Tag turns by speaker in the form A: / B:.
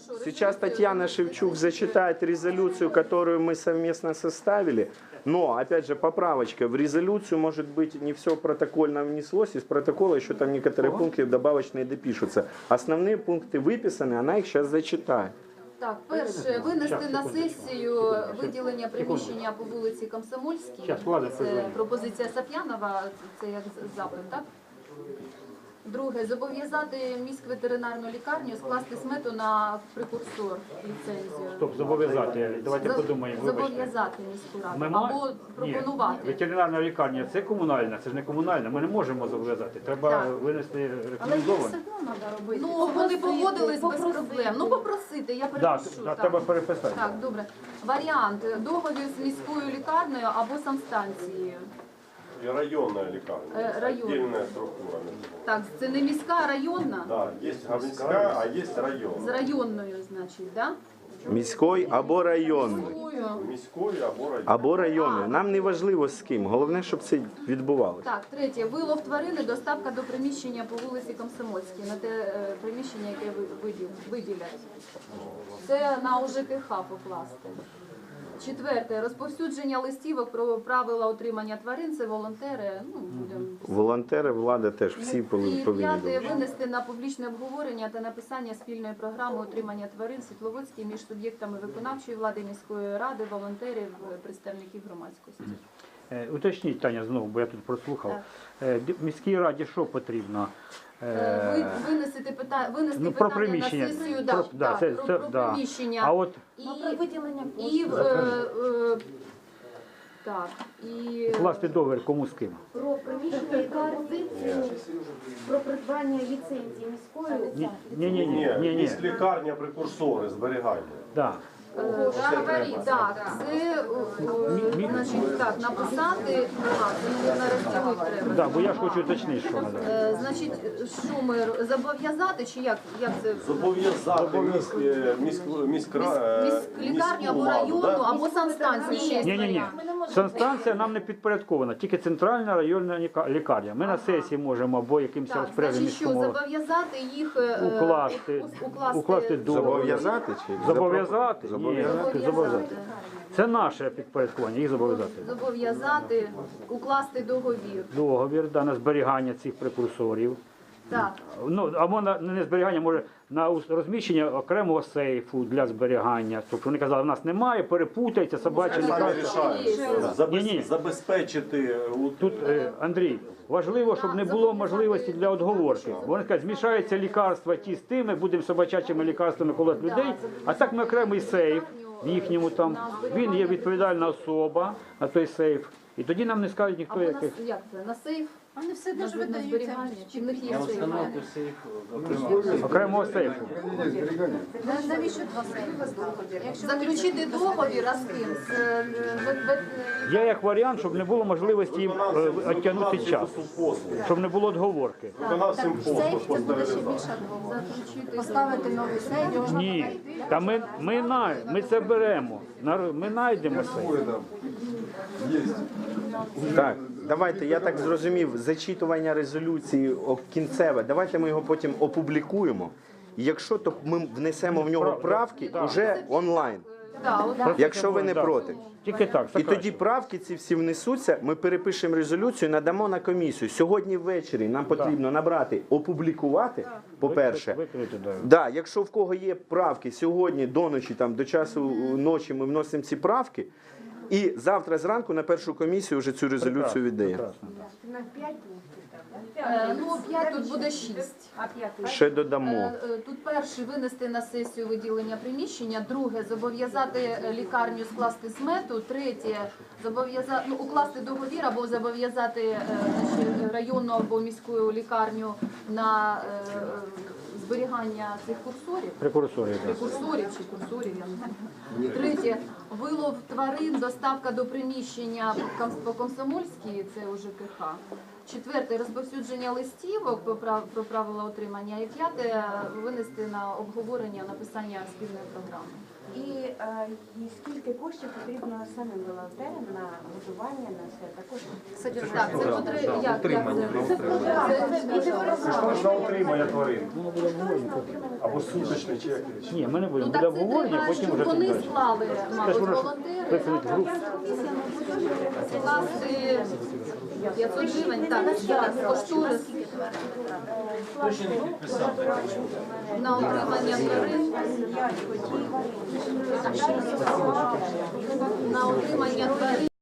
A: Сейчас Татьяна Шевчук зачитает резолюцию, которую мы совместно составили. Но, опять же, поправочка. В резолюцию, может быть, не все протокольно внеслось. Из протокола еще там некоторые пункты добавочные допишутся. Основные пункты выписаны, она их сейчас зачитает.
B: Так, перше, винести на сесію виділення приміщення по вулиці Комсомольській. Це пропозиція Сап'янова, це як запит, так? Друге, зобов'язати міськветеринарну лікарню скласти смету на прекурсор ліцензію.
C: Стоп, зобов'язати. Давайте подумаємо.
B: Зобов'язати міську раду. Або пропонувати.
C: Ні, ветеринарна лікарня – це комунальна, це ж не комунальна. Ми не можемо зобов'язати. Треба винести рекомендовано.
B: Ну, вони погодились без проблем. Ну, попросити, я перепишу.
C: Так, треба переписати.
B: Так, добре. Варіант. Договір з міською лікарнею або санстанцією.
D: И районная лекарня.
B: Район.
D: Отдельная структура.
B: Так, це не міська, а районна?
D: Да, есть городская, а есть
B: З
D: район.
B: районною, значить, так?
A: Міської або районної.
D: Міської або район.
A: Або районної. Нам не важливо з ким. Головне, щоб це відбувалося.
B: Так, третє. Вилов тварини, доставка до приміщення по вулиці Комсомольській, на те приміщення, яке виділять. Це на УЖКХ покласти. Четверте. Розповсюдження листівок про правила утримання тварин. Це волонтери. Ну, будемо...
A: Волонтери, влада теж всі
B: І
A: повинні.
B: п'яте. Винести на публічне обговорення та написання спільної програми утримання тварин Світловодській між суб'єктами виконавчої влади, міської ради, волонтерів, представників громадськості.
C: Уточніть, Таня, знову, бо я тут прослухав. Міській раді що потрібно?
B: Винести питання
C: Про
B: на
C: приміщення.
B: сесію, про приміщення.
C: А от
B: І виділення так, і
C: укласти договір кому з ким?
E: Про приміщення і пропозицію про придбання ліцензії міської.
C: Ні.
D: Есть лекарня, прекурсори, зберігання.
C: Да.
B: так, це значить так, написати, це розділити треба.
C: Да, бо я ж хочу уточнити, що треба.
B: Значить, що ми зобов'язати, чи як це?
D: Зобов'язати
B: Лікарню або районну, або санстанцію ще є.
C: Ні. Санстанція нам не підпорядкована, тільки центральна районна лікарня. Ми на сесії можемо або якимось
B: Так,
C: розпорядженням
B: значить, що
C: міського
B: зобов'язати їх
C: укласти договір.
A: Зобов'язати чи?
C: Зобов'язати? Ні, зобов'язати. Це наше підпорядкування, їх зобов'язати.
B: Зобов'язати, укласти договір.
C: Договір на зберігання цих прекурсорів.
B: Так.
C: Ну, або не зберігання, може на розміщення окремого сейфу для зберігання. Тобто вони казали, в нас немає, перепутається, собача лікарня. Ні.
D: Забезпечити.
C: Тут, Андрій, важливо, щоб не було можливості для отговорки. Бо вони кажуть, змішаються лікарства ті з тими, будемо собачачими лікарствами колоти людей, а так ми окремий сейф в їхньому там, він є відповідальна особа на той сейф. І тоді нам не скажуть ніхто
B: Або
C: яких.
B: як це, на сейф?
E: Вони все дуже
B: На
E: видаються.
B: зберігання? Чи в них є сейф?
C: Окремого сейфу.
E: Навіщо два сейфи?
B: Заключити договір, а з ким?
C: Є як варіант, щоб не було можливості їм відтягнути час, щоб не було отговорки.
D: Виконавцем
E: Сейф
D: послуг
E: це буде ще
D: поставити.
E: більша відмова. Поставити новий сейф.
C: Ні, та ми це беремо, ми знайдемо сейф.
A: Так, давайте, я так зрозумів, зачитування резолюції кінцеве, давайте ми його потім опублікуємо. І якщо, то ми внесемо в нього правки вже онлайн, якщо ви не проти.
C: Тільки так.
A: І тоді правки ці всі внесуться, ми перепишемо резолюцію, надамо на комісію. Сьогодні ввечері нам потрібно набрати, опублікувати, по-перше. Да, якщо в кого є правки, сьогодні до ночі, там, до часу ночі ми вносимо ці правки, і завтра зранку на першу комісію вже цю резолюцію віддаємо.
B: Ну, 5 тут буде 6.
A: Ще додамо.
B: Тут перше винести на сесію виділення приміщення, друге зобов'язати лікарню скласти смету, третє зобов'язати укласти договір або зобов'язати районну або міську лікарню на зберігання цих курсорів.
C: Прекурсорів.
B: Прекурсорів чи курсорів, я не знаю. Третє, вилов тварин, доставка до приміщення по Комсомольській, це УЖКХ. Четверте розповсюдження листівок про правила отримання. І п'яте винести на обговорення написання спільної програми.
F: І скільки коштів потрібно самим волонтерам на готування, на все також?
B: Так, це
D: Це на утримання тварин. Або суточний чек.
C: Ні, ми не будемо.
B: Ну,
C: Буде
B: так це
C: обговорення,
B: треба,
C: потім
B: щоб
C: вже
B: вони
C: далі.
B: склали, мабуть,
C: воно ж
B: волонтери.
C: виходить в групу.
B: Скласти 500 гривень, так, зараз кошторис на отримання тварин. На отримання тварин.